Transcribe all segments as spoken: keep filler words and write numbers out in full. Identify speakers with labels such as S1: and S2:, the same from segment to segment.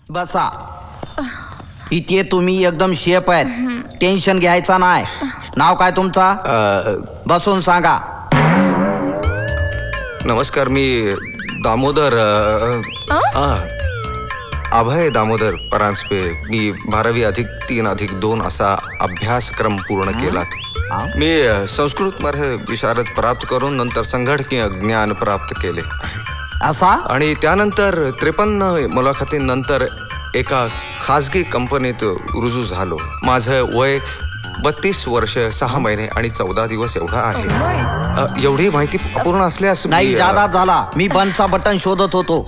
S1: बसा. इथे तुम्ही एकदम शेप आहेत, टेन्शन घ्यायचा नाही. नाव काय तुमचा? बसून सांगा.
S2: नमस्कार, मी दामोदर अ, आ, अभय दामोदर परांजपे. मी बारावी अधिक तीन अधिक दोन असा अभ्यासक्रम पूर्ण केला. मी संस्कृतमध्ये विशारद प्राप्त करून नंतर संगणकीय ज्ञान प्राप्त केले
S1: असा.
S2: आणि त्यानंतर त्रेपन्न मुलाखतींनंतर एका खाजगी कंपनीत रुजू झालो. माझं वय बत्तीस वर्ष सहा महिने आणि चौदा दिवस एवढा आहे. अ, एवढी माहिती अपूर्ण असल्यास मी,
S1: नाही
S2: अ,
S1: जादा झाला. मी बंदचा बटन शोधत होतो.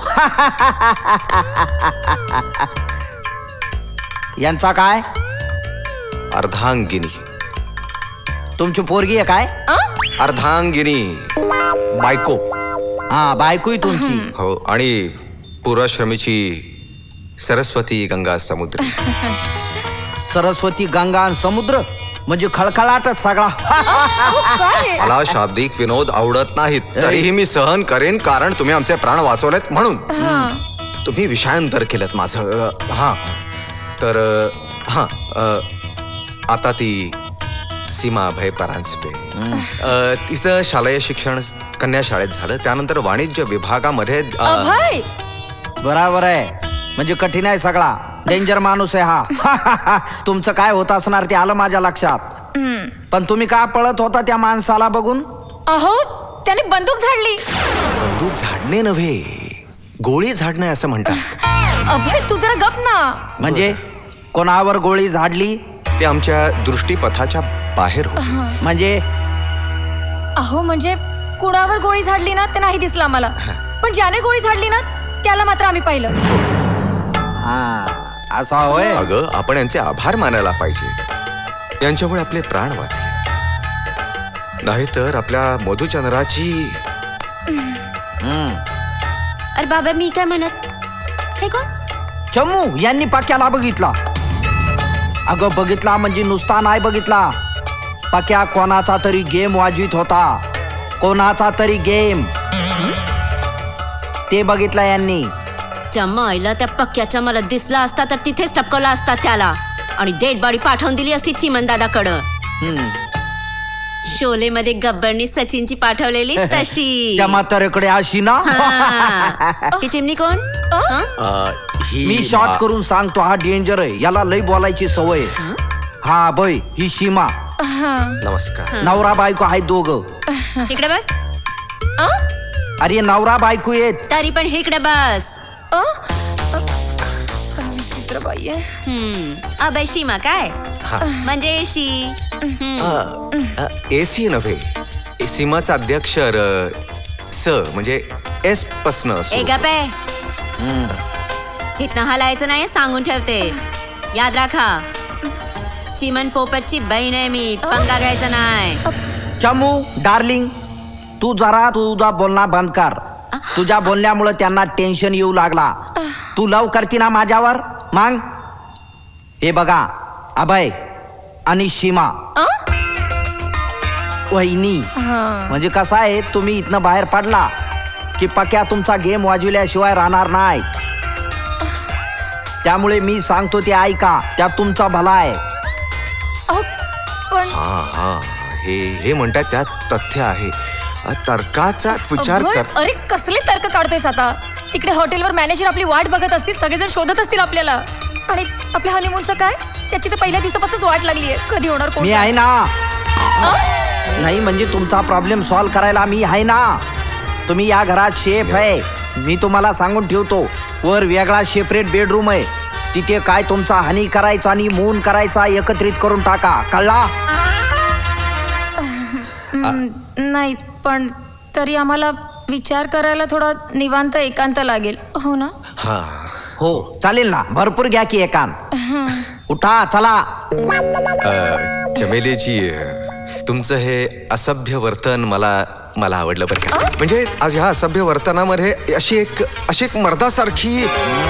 S1: यांचा काय?
S2: अर्धांगिनी.
S1: तुमची पोरगी आहे काय?
S2: अर्धांगिनी बायको.
S1: हा, बायकोही तुमची.
S2: हो, आणि पुराश्रमीची सरस्वती गंगा समुद्र.
S1: सरस्वती गंगा आणि समुद्र म्हणजे खळखळाटच सगळा.
S2: मला शाब्दिक विनोद आवडत नाहीत, तरीही मी सहन करेन, कारण तुम्ही आमचे प्राण वाचवलेत म्हणून. तुम्ही विषयांतर केलं माझं. हा तर हा आता ती सीमा अभय परांजपे. तिचं शालेय शिक्षण कन्या शाळेत झालं. त्यानंतर वाणिज्य विभागामध्ये.
S1: बराबर आहे, म्हणजे कठीण आहे सगळा. डेंजर माणूस आहे हा. तुमचं काय होत असणार ते आलं माझ्या लक्षात. पण तुम्ही का पळत होता त्या माणसाला बघून?
S3: अहो, त्याने बंदूक झाडली.
S2: बंदूक झाडणे नव्हे, गोळी झाडणे असं म्हणतात.
S3: अभय, तू जरा गप ना.
S1: म्हणजे कोणावर गोळी झाडली?
S2: ते आमच्या दृष्टीपथाच्या बाहेर होते.
S1: म्हणजे
S3: अहो, म्हणजे कुणावर गोळी झाडली ना ते नाही दिसलं आम्हाला, पण ज्याने गोळी झाडली ना त्याला मात्र आम्ही पाहिलं.
S1: हा, असा होय.
S2: अगं, आपण यांचे आभार मानायला पाहिजे. यांच्यामुळे आपले प्राण वाचले. नाहीतर आपल्या मधुचंद्राची.
S1: हम्म.
S4: अरे बाबा, मी काय म्हणत. हे कोण?
S1: चमू यांनी पाक्याला बघितला. अगं बघितला म्हणजे नुसता नाही बघितला. पाक्या कोणाचा तरी गेम वाजवीत होता. कोणाचा तरी गेम ते बघितला यांनी.
S4: चम्माईला त्या पक्क्याच्या मला दिसला असता तर तिथेच टपकवला असता त्याला, आणि डेड बॉडी पाठवून दिली असती चिमन दादाकडं. शोले मध्ये गब्बरनी सचिनची पाठवलेली तशी.
S1: त्या म्हाताऱ्याकडे अशी ना.
S4: ही चिमणी कोण?
S1: मी शॉर्ट करून सांगतो, हा डेंजर आहे. याला लई बोलायची सवय. हा बय, ही सीमा.
S2: नमस्कार.
S1: नवरा बायको आहेत दोघं.
S4: इकडे बस.
S1: अरे नवरा बायको येत.
S4: तरी पण इकडे बस.
S3: चित्रबाई आहे.
S4: हम्म अबे सीमा काय म्हणजे एशी.
S2: एसी नव्हे, सीमाचा अध्यक्षर स म्हणजे एस पसन.
S4: ए गपे, इथनं हलायचं नाही, सांगून ठेवते. याद राखा, चिमन पोपटची बहीण आहे मी. पंगा घ्यायचा नाही.
S1: चमू डार्लिंग, तू जरा तुझा बोलणं बंद कर. तुझ्या बोलण्यामुळे त्यांना टेन्शन येऊ लागला. तू लव करती ना माझ्यावर मग. हे बघा, अभय आणि सीमा वहिनी, म्हणजे कसं आहे, तुम्ही इथनं बाहेर पडला की पक्या तुमचा गेम वाजविल्याशिवाय राहणार नाही. त्यामुळे मी सांगतो ते ऐका, त्यात तुमचा भला आहे.
S3: पण
S2: हा हा हे हे म्हणतात त्यात तथ्य आहे. तर्काचा विचार
S3: अभय,
S2: कर.
S3: अरे कसले तर्क काढतोयस आता? तिकडे हॉटेलवर मॅनेजर आपली वाट बघत असतील, सगळेजण शोधत असतील आपल्याला. आणि आपल्या हनीमूनचं काय? त्याची तर पहिल्या दिवसापासूनच वाट लागली आहे. कधी होणार कोण?
S1: मी आहे ना. नाही म्हणजे तुमचा प्रॉब्लेम सॉल्व्ह करायला मी आहे ना. तुम्ही या घरात शेफ आहे. मी तुम्हाला सांगून ठेवतो, वर वेगळा सेपरेट बेडरूम आहे. तिथे काय तुमचा हनी करायचा आणि मून करायचा एकत्रित करून टाका, कळला?
S3: नाही, पण तरी आम्हाला विचार करायला थोडा निवांत एकांत लागेल, हो ना?
S2: हा
S1: हो चालेल ना, भरपूर घ्या की एकांत. उठा चला.
S2: चमेलीजी, तुमचं हे असभ्य वर्तन मला मला आवडलं बरं का. म्हणजे आज ह्या असभ्य वर्तनामध्ये अशी एक अशी एक मर्दासारखी.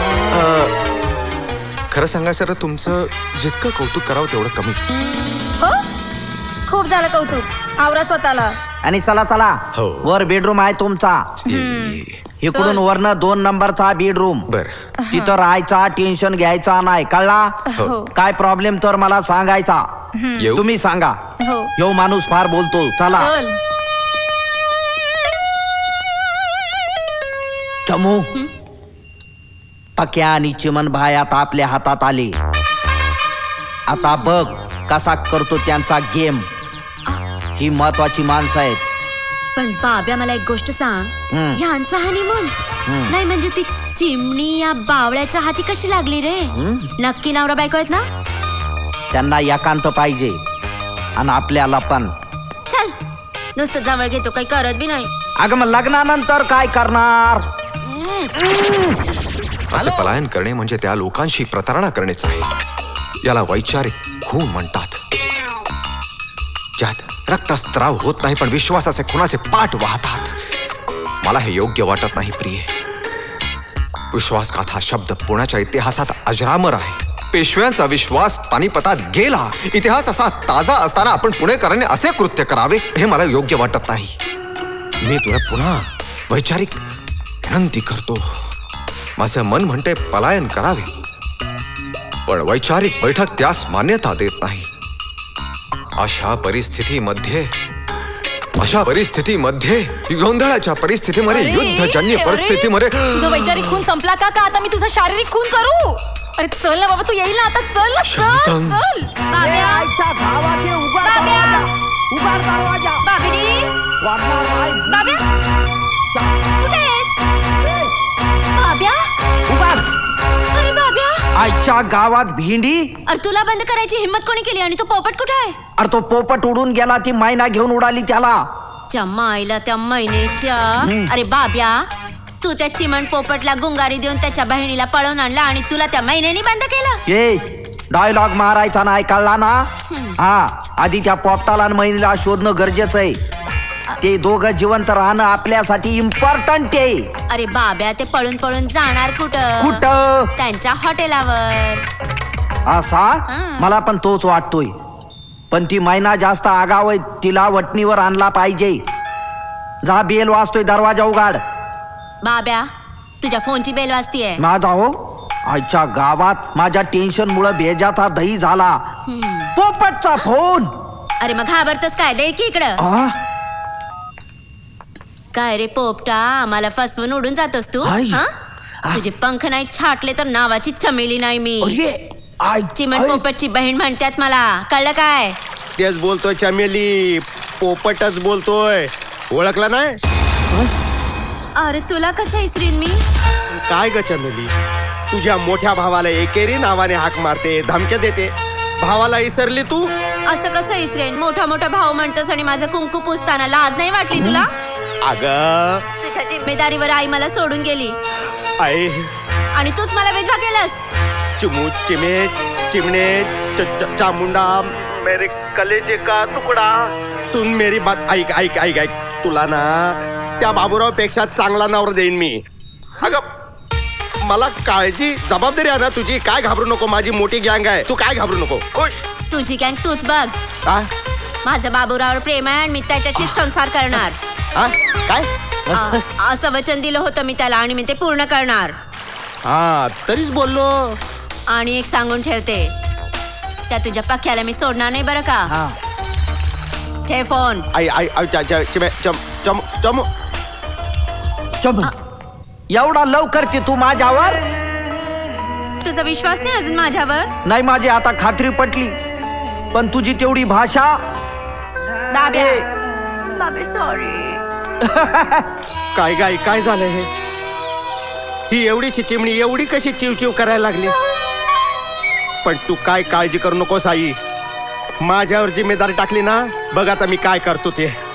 S2: खरं सांगा सर, तुमचं जितकं कौतुक करावं तेवढं कमीच.
S3: हो, खूप झालं कौतुक. आवरा स्वतःला.
S1: आणि चला चला,
S2: हो.
S1: वर बेडरूम आहे तुमचा. इकडून वरनं दोन नंबरचा बेडरूम
S2: बर
S1: तिथं राहायचा, टेन्शन घ्यायचा नाही, कळला?
S3: हो
S1: काय प्रॉब्लेम तर मला सांगायचा.
S2: येऊ
S1: तुम्ही सांगा.
S3: हो
S1: यो माणूस फार बोलतो. चला.
S3: चल.
S1: चमू पक्या आणि चिमन भाई आता आपल्या हातात आले. आता बघ कसा करतो त्यांचा गेम. ही महत्वाची माणसं आहेत.
S4: पण बाब्या मला एक गोष्ट सांग,
S1: हम्म.
S4: ह्यांचा हनीमून
S1: हम्म.
S4: नाही म्हणजे ती चिमणी या बावळ्याच्या हाती कशी लागली रे? नक्की नवरा बायको आहेत ना?
S1: त्यांना एकांत पाहिजे आणि आपल्याला पण.
S4: चल नुसतं जवळ घेतो, काही करत बी नाही.
S1: अगं मग लग्नानंतर काय करणार?
S2: असे पलायन करणे म्हणजे त्या लोकांशी प्रतारणा करणेच आहे. याला वैचारिक खून म्हणतात, ज्यात रक्तस्त्राव होत नाही पण विश्वासाचे खुनाचे पाठ वाहतात. मला हे योग्य वाटत नाही प्रिय. विश्वासघात हा शब्द पुण्याच्या इतिहासात अजरामर आहे. पेशव्यांचा विश्वास पानिपतात गेला. इतिहास असा ताजा असताना आपण पुणेकरांनी असे कृत्य करावे हे मला योग्य वाटत नाही. मी तुला पुन्हा वैचारिक विनंती करतो. माझं मन म्हणते पलायन करावे, पण वैचारिक बैठक त्यास मान्यता देत नाही. अशा परिस्थितीमध्ये अशा परिस्थितीमध्ये गोंधळाच्या परिस्थितीमध्ये
S3: अरे,
S2: युद्धजन्य
S3: अरे,
S2: परिस्थितीमध्ये
S3: तुझा वैचारिक खून संपला का? का आता मी तुझा शारीरिक खून करू? अरे चल ना बाबा, तू येईल ना आता. चल ना, चल
S2: शांतम.
S3: चल.
S4: बाब्या,
S1: आईच्या गावाचे उघड
S4: बाब्या.
S1: दरवाजा, उघड दरवाजा.
S4: बाबिडी,
S1: वाटणार नाही.
S4: बाब्या, कुठे आहेस? बाब्या,
S1: उघड.
S4: अरे बाब्या,
S1: आईच्या गावात भेंडी.
S4: अरे तुला बंद करायची हिम्मत कोणी केली? आणि तो पोपट कुठे आहे?
S1: अरे तो पोपट उडून गेला, ती मैना घेऊन उडाली त्याला.
S4: च्या माईला त्या महिनेच्या. अरे बाब्या, तू त्या चिमण पोपटला गुंगारी देऊन त्याच्या बहिणीला पळवून आणला आणि तुला त्या महिन्यानी बंद केलं.
S1: ए डायलॉग मारायचा नाही, कळला ना? हा, आधी त्या पोपटाला आणि महिला शोधणं गरजेचं आहे. ते दोघं जिवंत राहणं आपल्यासाठी इम्पॉर्टंट आहे.
S4: अरे बाब्या, ते पळून पळून जाणार कुठं?
S1: कुठं?
S4: त्यांच्या हॉटेलावर.
S1: असा
S4: हा.
S1: मला पण तोच वाटतोय. पण ती मैना जास्त आगाव आहे, तिला वटणीवर आणला पाहिजे. जा, बेल वाजतोय, दरवाजा उघाड.
S4: बाब्या, तुझ्या फोनची बेल वाजतीये.
S1: माझा हो, आजच्या गावात माझ्या टेन्शन मुळे भेजाचा दही झाला.
S4: हम्म.
S1: पोपटचा फोन.
S4: अरे मग घाबरतोस काय? दे की इकडं.
S1: आ?
S4: काय रे पोपटा, आम्हाला फसवून उडून जातोस तू?
S1: आई.
S4: हा?
S1: आ.
S4: तुझे पंख नाही छाटले तर नावाची चमेली नाही मी.
S1: अरे, आई-
S4: चिमण
S1: आई.
S4: पोपटची बहीण म्हणतात मला. कळलं काय?
S5: तेच बोलतोय चमेली, पोपटच बोलतोय. ओळखला नाही?
S4: अरे तुला कसं इसरीन मी?
S5: काय ग चमेली, तुझ्या मोठ्या भावाला एकेरी नावाने हाक मारते, धमक्या देते. भावाला इसरली तू?
S4: असं कसं इसरेन? मोठा मोठा भाऊ म्हणतोस आणि माझं कुंकू पुसताना लाज नाही वाटली तुला?
S5: अग
S4: तुझ्या जिम्मेदारीवर आई मला सोडून गेली
S5: आई,
S4: आणि तूच मला विधवा केलंस.
S5: चिमू चिमे चिमणे च- च- चामुंडा मेरे कलेजे का तुकडा. सुन मेरी बात, ऐक ऐक ऐक ऐक. तुला ना त्या बाबूराव पेक्षा चांगला नवरा देईन मी. अगं मला काळजी जबाबदारी आहे ना तुझी. काय घाबरू नको, माझी मोठी गँग आहे, तू काय घाबरू नको. ओय.
S4: तुझी गँग तूच बघ.
S5: आ?
S4: माझं बाबूरावर प्रेम आहे आणि मी त्याच्याशीच संसार करणार.
S5: आ? काय?
S4: अ- असं वचन दिलं होतं मी त्याला आणि मी ते पूर्ण करणार.
S5: हा तरीच बोललो.
S4: आणि एक सांगून ठेवते, त्या तुझ्या पक्क्याला मी सोडणार नाही बरं का.
S1: हा.
S4: ठेव फोन.
S5: आई आई आई च- च- चिमे चम चम चम
S1: चम. एवढा लवकर की तू माझ्यावर?
S4: तुझा विश्वास नाही अजून माझ्यावर?
S1: नाही, माझी आता खात्री पटली. पण तुझी तेवढी भाषा.
S4: बाब्या, बाबे सॉरी.
S5: काय गाय काय झालं हे? ही एवढीची चिमणी एवढी कशी चिवचिव करायला लागली? पण तू काय काळजी करू नकोस आई. माझ्यावर जिम्मेदारी टाकली ना, बघ आता मी काय करतो ते.